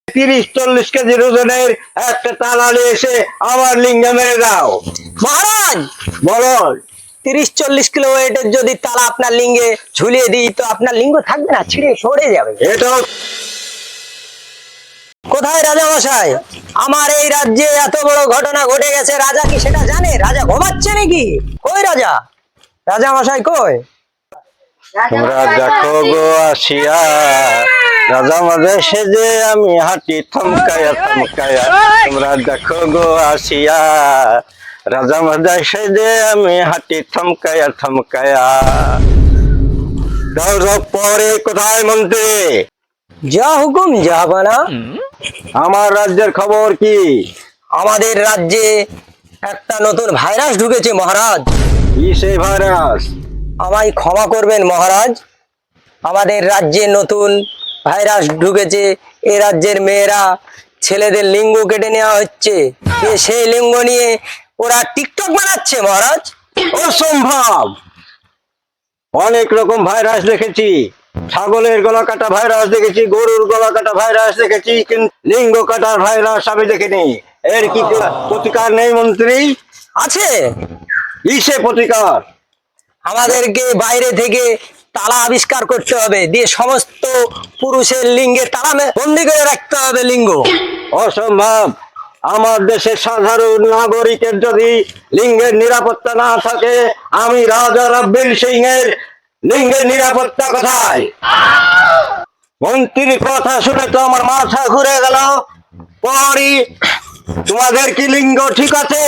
30-40 KG ওজনের একটা তালালে এসে আমার লিঙ্গে মেরে দাও। মহারাজ, বলো। 30-40 কিলো ওয়েটের যদি তালা আপনার লিঙ্গে ঝুলিয়ে দিই তো আপনার লিঙ্গ থাকবে না, ছিঁড়ে সরে যাবে। এটাও কোথায় রাজা মশাই? আমার এই রাজ্যে এত বড় ঘটনা ঘটে গেছে, রাজা কি সেটা জানে? রাজা ঘুমাচ্ছে নাকি? কই রাজা? রাজা মশাই কই? তোমরা দেখো গো আসিয়া, রাজা মাঝে সেজে আমি হাঁটি থমকায়া থমকায়া। তোমরা দেখো গো আসিয়া, রাজা মাঝে সেজে আমি হাঁটি থমকায়া থমকায়া। পরে কোথায় মন্ত্রী? যা হুকুম জাহাপানা। আমার রাজ্যের খবর কি? আমাদের রাজ্যে একটা নতুন ভাইরাস ঢুকেছে মহারাজ। কি সেই ভাইরাস? আমায় ক্ষমা করবেন মহারাজ, আমাদের রাজ্যে নতুন ভাইরাস ঢুকেছে। এ রাজ্যের মেয়েরা ছেলেদের লিঙ্গ কেটে নেওয়া হচ্ছে, সেই লিঙ্গ নিয়ে ওরা টিকটক বানাচ্ছে মহারাজ। অসম্ভব! অনেক রকম ভাইরাস দেখেছি, ছাগলের গলা কাটা ভাইরাস দেখেছি, গরুর গলা কাটা ভাইরাস দেখেছি, কিন্তু লিঙ্গ কাটার ভাইরাস আমি দেখিনি। এর কি প্রতিকার নেই মন্ত্রী? আছে। কিসে প্রতিকার? আমাদেরকে বাইরে থেকে তালা আবিষ্কার করতে হবে, দিয়ে সমস্ত পুরুষের লিঙ্গে তালা বন্দি করে রাখতে হবে লিঙ্গ। অসম্ভব! আমার দেশের সাধারণ নাগরিকের যদি লিঙ্গের নিরাপত্তা না থাকে, আমি রাজা রাব্বিল সিং এর লিঙ্গের নিরাপত্তা কোথায়? মন্ত্রীর কথা শুনে তো আমার মাথা ঘুরে গেল। পরি, তোমাদের কি লিঙ্গ ঠিক আছে?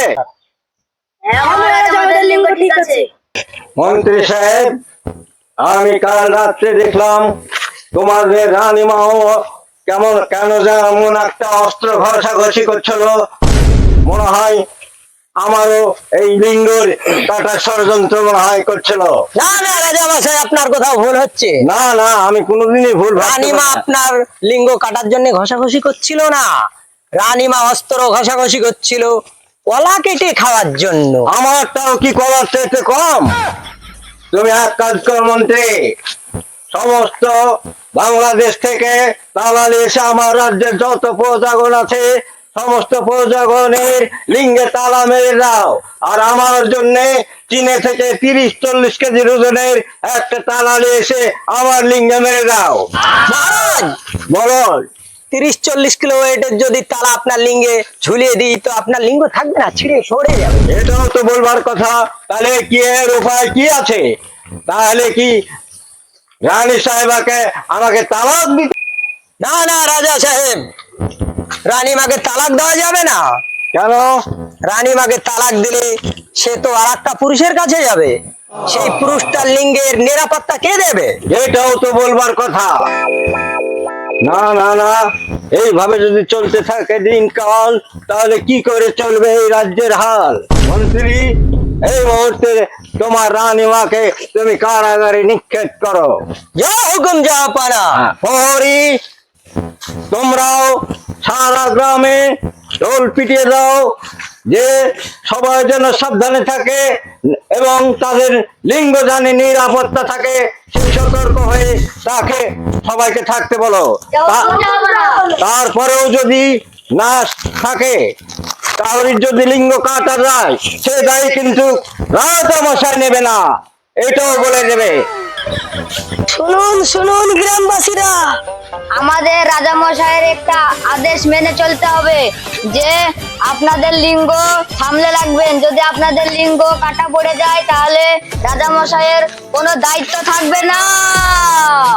আমাদের লিঙ্গ ঠিক আছে। মন্ত্রী সাহেব, আমি কাল রাত্রে দেখলাম তোমাদের রানীমাও কেন যেমন একটা অস্ত্র ঘষাঘষি করছিল। মনে হয় আমারও এই লিঙ্গর কাটা ষড়যন্ত্র মনে হয় করছিল। না না রাজা মশাই, আপনার কোথাও ভুল হচ্ছে। না না, আমি কোনোদিনই ভুল ভাবতে রানীমা পারি না। আপনার লিঙ্গ কাটার জন্য ঘষাঘষি করছিল না, রানীমা অস্ত্র ঘষাঘষি করছিল কলা কেটে খাওয়ার জন্য। আমারটাও কি করার চাইতে কম? তুমি এক কাজ করো মন্ত্রী, সমস্ত বাংলাদেশ থেকে দালালি এসে আমার রাজ্যের যত প্রজাগণ আছে সমস্ত প্রজাগণের লিঙ্গে তালা মেরে দাও, আর আমার জন্য চীনে থেকে 30-40 কেজি ওজনের একটা তালালে এসে আমার লিঙ্গে মেরে দাও। মহারাজ, বলো। 30-40 কিলো ওয়েটের যদি তালা আপনার লিঙ্গে ঝুলিয়ে দিই তো আপনার লিঙ্গ থাকবে না, ছিঁড়ে সরে যাবে। এটাও তো বলবার কথা। তাহলে কি এর উপায় কি আছে? তাহলে কি রানী সাহেবাকে আমাকে তালাক দিতে? না না রাজা সাহেব, রানীমাকে তালাক দেওয়া যাবে না। কেন? রানীমাকে তালাক দিলে সে তো আর একটা পুরুষের কাছে যাবে, সেই পুরুষটার লিঙ্গের নিরাপত্তা কে দেবে? এটাও তো বলবার কথা। না না না, এইভাবে যদি চলতে থাকে দিনকাল, তাহলে কি করে চলবে এই রাজ্যের হাল? মন্ত্রী, এই মুহূর্তে তোমার রানীমাকে তুমি কারাগারে নিক্ষেপ করো। যা হুকুম জাহাপানা। পরি, তোমরাও সারা গ্রামে ঢোল পিটিয়ে দাও যে সবাই যেন সাবধানে থাকে এবং তাদের লিঙ্গ জানে নিরাপত্তা থাকে, সেই সতর্ক হয়ে তাকে সবাইকে থাকতে বলো। তারপরেও যদি না থাকে, তাহলে যদি লিঙ্গ কাটা যায় সে দায়ী কিন্তু রাজা মশাই নেবে না, এটাও বলে দেবে। শুনুন শুনুন গ্রামবাসীরা, আমাদের রাজামশাইয়ের একটা আদেশ মেনে চলতে হবে যে আপনাদের লিঙ্গ সামলে রাখবেন। যদি আপনাদের লিঙ্গ কাটা পড়ে যায় তাহলে রাজামশাইয়ের কোনো দায়িত্ব থাকবে না।